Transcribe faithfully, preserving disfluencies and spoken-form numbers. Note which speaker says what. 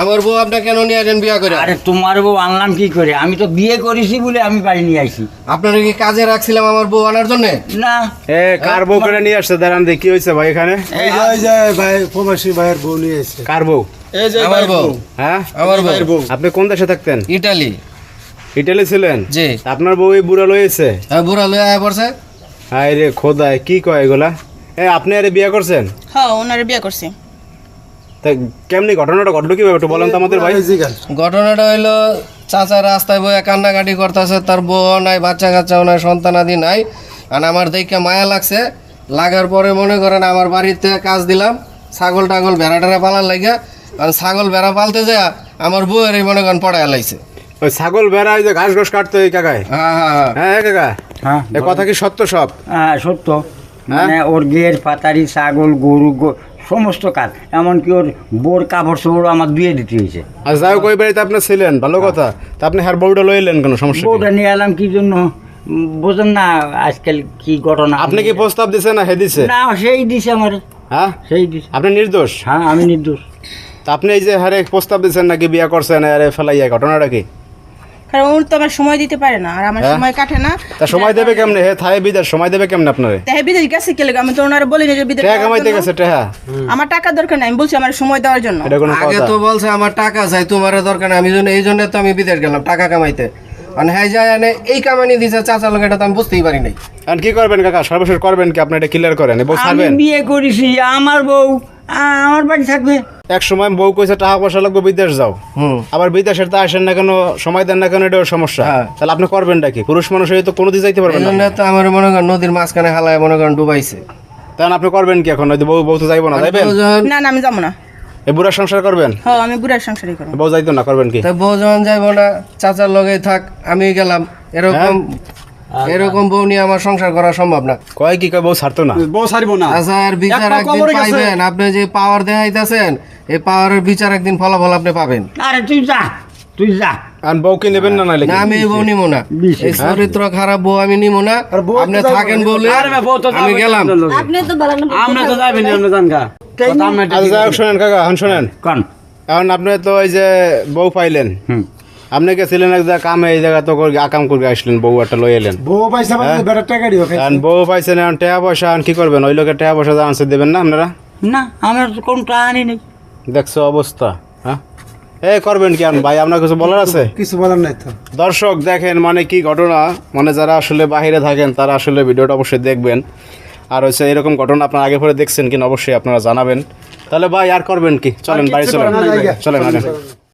Speaker 1: আমার বউ আপনি কেন নিয়ে আসেন বিয়া করে?
Speaker 2: আরে তোমার বউ আনলাম কি করে? আমি তো বিয়ে করেছি বলে আমি বাড়ি নিয়ে আইছি।
Speaker 1: আপনারা কি কাজে রাখছিলাম আমার বউ আনার জন্য?
Speaker 2: না
Speaker 3: এ কার বউ করে নিয়ে আসছে দাঁড়ান দেখি কি হয়েছে ভাই এখানে?
Speaker 4: এই যে এই যে ভাই প্রবাসী ভাইয়ের বউ নিয়ে এসেছে।
Speaker 3: কার বউ?
Speaker 4: এই যে
Speaker 1: আমার বউ।
Speaker 3: হ্যাঁ
Speaker 1: আমার
Speaker 4: ভাইয়ের
Speaker 1: বউ
Speaker 4: বউ।
Speaker 3: আপনি কোন দেশে থাকতেন?
Speaker 1: ইটালি।
Speaker 3: ইটালি ছিলেন?
Speaker 1: জি।
Speaker 3: আপনার বউ এই বুড়া লয়েছে?
Speaker 1: হ্যাঁ, বুড়া লয়ে আয়া পড়ছে।
Speaker 3: হায় রে খোদায় কি কয় এগুলা? এ আপনি আরে বিয়ে করছেন?
Speaker 5: হ্যাঁ ওনারে বিয়ে করছি।
Speaker 3: তা কেমনি ঘটনাটা ঘটলো কিভাবে একটু বলেন তো আমাদের ভাই।
Speaker 4: এই জিগান।
Speaker 1: ঘটনাটা হইলো চাচা রাস্তায় বয়ে কান্নাকাটি করতেছে, তার বউ নাই, বাচ্চা কাচ্চাও নাই, সন্তানাদি নাই। আর আমার দেখে মায়া লাগছে, লাগার পরে মনে করেন আমার বাড়িতে কাজ দিলাম ছাগল টাগল ভেড়া টেড়া পালার লাগে। আর ছাগল ভেড়া পালতে যায় আমার বউয়ের এই মনে করেন পড়ায় লাইছে।
Speaker 3: ওই ছাগল বেড়া ওই যে ঘাস ঘাস কাটতো এই কাকায়?
Speaker 1: হ্যাঁ হ্যাঁ হ্যাঁ।
Speaker 3: হ্যাঁ এ কাকা
Speaker 2: হ্যাঁ
Speaker 3: এ কথা কি সত্য সব?
Speaker 2: হ্যাঁ সত্য। মানে ওর গের পাতারি ছাগল গরু গো- সমস্ত কাজ, এমনকি ওর বোর কাপড় চোপড় আমার ধুয়ে দিতে হয়েছে।
Speaker 3: আর যাই হোক ওই বাড়িতে আপনি ছিলেন ভালো কথা, তা আপনি হার বউটা লয়ে এলেন কেন? সমস্যা কি?
Speaker 2: বউটা নিয়ে এলাম কি জন্য উম, বোঝেন না আজকাল কি ঘটনা।
Speaker 3: আপনি কি প্রস্তাব দিছে না হে দিছে?
Speaker 2: না সেই দিছে আমার,
Speaker 3: হ্যাঁ
Speaker 2: সেই দিছে।
Speaker 3: আপনি নির্দোষ?
Speaker 2: হ্যাঁ আমি নির্দোষ।
Speaker 3: তা আপনি এই যে হারে প্রস্তাব দিচ্ছেন নাকি বিয়া করছেন আরে ফেলাইয়া, ঘটনাটা কি?
Speaker 5: কারণ উনি তো আমার সময় দিতে পারে না, আর আমার
Speaker 3: হ্যাঁ?
Speaker 5: সময় কাটে না।
Speaker 3: তা সময় দেবে কেমনে? হে থাই বিদেশ সময় দেবে কেমনে আপনারে?
Speaker 5: তাই বিদেশ গেছে কে লাগে? আমি তো ওনারে বলিনি যে বিদেশ
Speaker 3: টেহা
Speaker 5: যাওয়ার
Speaker 3: কামাইতে
Speaker 5: জন্য।
Speaker 3: গেছে টেহা?
Speaker 5: আমার টাকা দরকার নাই, আমি বলছি আমার সময় দেওয়ার জন্য।
Speaker 3: এটা কোনো
Speaker 1: আগে
Speaker 3: কথা?
Speaker 1: তো বলছে আমার টাকা চাই, তোমার দরকার নাই, আমি জন্য এই জন্য তো আমি বিদেশ গেলাম টাকা কামাইতে। মানে হ্যাঁ যায় এনে এই কামানি দিছে চাচা লোক, এটা তো আমি বুঝতেই পারি নাই।
Speaker 3: আর কি করবেন কাকা? সর্বশেষ করবেন কি? আপনি এটা ক্লিয়ার করেন, বউ
Speaker 2: আমি
Speaker 3: ছাড়বেন?
Speaker 2: বিয়ে করেছি, আমার বউ আ- আমার বাড়ি থাকবে।
Speaker 3: এক সময় বউ কইছে টাকা পয়সা লাগবে বিদেশ যাও,
Speaker 1: হুম।
Speaker 3: আবার বিদেশের তো আসেন না কেন, সময় দেন না কেন, এটাও সমস্যা।
Speaker 1: হ্যাঁ।
Speaker 3: তাহলে আপনি করবেনটা কি? পুরুষ মানুষ হয়ে তো কোনোদিন যাইতে
Speaker 1: এই
Speaker 3: পারবেন
Speaker 1: জন্য
Speaker 3: না,
Speaker 1: তো আমার মনে করেন নদীর মাঝখানে হালায় মনে করেন ডুবাইছে।
Speaker 3: তাহলে আপনি করবেন কি এখন? ওই যে বউ বউ তো যাইবো না, যাইবেন?
Speaker 1: বউ যখন-
Speaker 5: না না আমি যাবো না।
Speaker 3: এই বুড়ার সংসার করবেন?
Speaker 5: হ্যাঁ আমি বুড়ার সংসারই করবো।
Speaker 3: বউ যাইতো না, করবেন কি?
Speaker 1: তা বউ যখন যাইবো না, চাচার লগেই থাক, আমি গেলাম, এরকম এরকম বউ নিয়ে আমার সংসার করা সম্ভব না।
Speaker 3: কয় কি কয় বউ ছাড়তো না?
Speaker 4: বউ ছাড়বো না।
Speaker 1: আচ্ছা, আর বিচার
Speaker 4: একটা
Speaker 1: একদিন
Speaker 4: কবরে গেছে।
Speaker 1: পাইবেন, আপনি যে পাওয়ার দেখাইতেছেন এই পাওয়ারের বিচার একদিন ফলাফল আপনি পাবেন।
Speaker 2: আরে তুই যা, তুই যা।
Speaker 3: আর বউকে নেবেন না নাইলে
Speaker 1: না
Speaker 3: কি?
Speaker 1: আমি এই বউ নিবো না,
Speaker 2: বিশ,
Speaker 1: এই চরিত্র খারাপ বউ আমি নিবো না।
Speaker 4: আর বউ
Speaker 1: আপনি
Speaker 4: তো যাইবো
Speaker 1: থাকেন
Speaker 4: না।
Speaker 1: বলে
Speaker 4: আরে ভাই, বউ তো
Speaker 1: আমি
Speaker 4: যাবে
Speaker 1: গেলাম।
Speaker 4: আপনার লগে। আমরা তো যাবেন আমরা জান গা।
Speaker 3: আচ্ছা যাই হোক, শোনেন কাকা, এখন শোনেন,
Speaker 2: কন।
Speaker 3: এখন আপনি তো এই যে বউ পাইলেন,
Speaker 2: হুম।
Speaker 3: আপনি গেছিলেন এক জায়গা কামে, এই জায়গা তো করে আকাম করে আসলেন, বউ একটা লই এলেন।
Speaker 4: বউ পয়সা পাইছে বেটার টাকা দিও খাইছে।
Speaker 3: এখন বউ পাইছেন, এখন টাকা পয়সা এখন কি করবেন? ওই লোকের টাকা পয়সা আনসার দেবেন না আপনারা?
Speaker 2: না আমার তো কোনো টাকা আনি নেই।
Speaker 3: দেখছো অবস্থা, হ্যাঁ? এ করবেন কি? ভাই আপনার কিছু বলার আছে?
Speaker 4: কিছু বলার নাই তো।
Speaker 3: দর্শক দেখেন মানে কি ঘটনা, মানে যারা আসলে বাইরে থাকেন তারা আসলে ভিডিওটা অবশ্যই দেখবেন। আর হচ্ছে এরকম ঘটনা আপনারা আগে পরে দেখছেন কিনা অবশ্যই আপনারা জানাবেন। তাহলে ভাই আর করবেন কি? চলেন বাড়ি
Speaker 4: কিচ্ছু
Speaker 3: চলেন,
Speaker 4: করার নাই,
Speaker 3: চলেন আগে।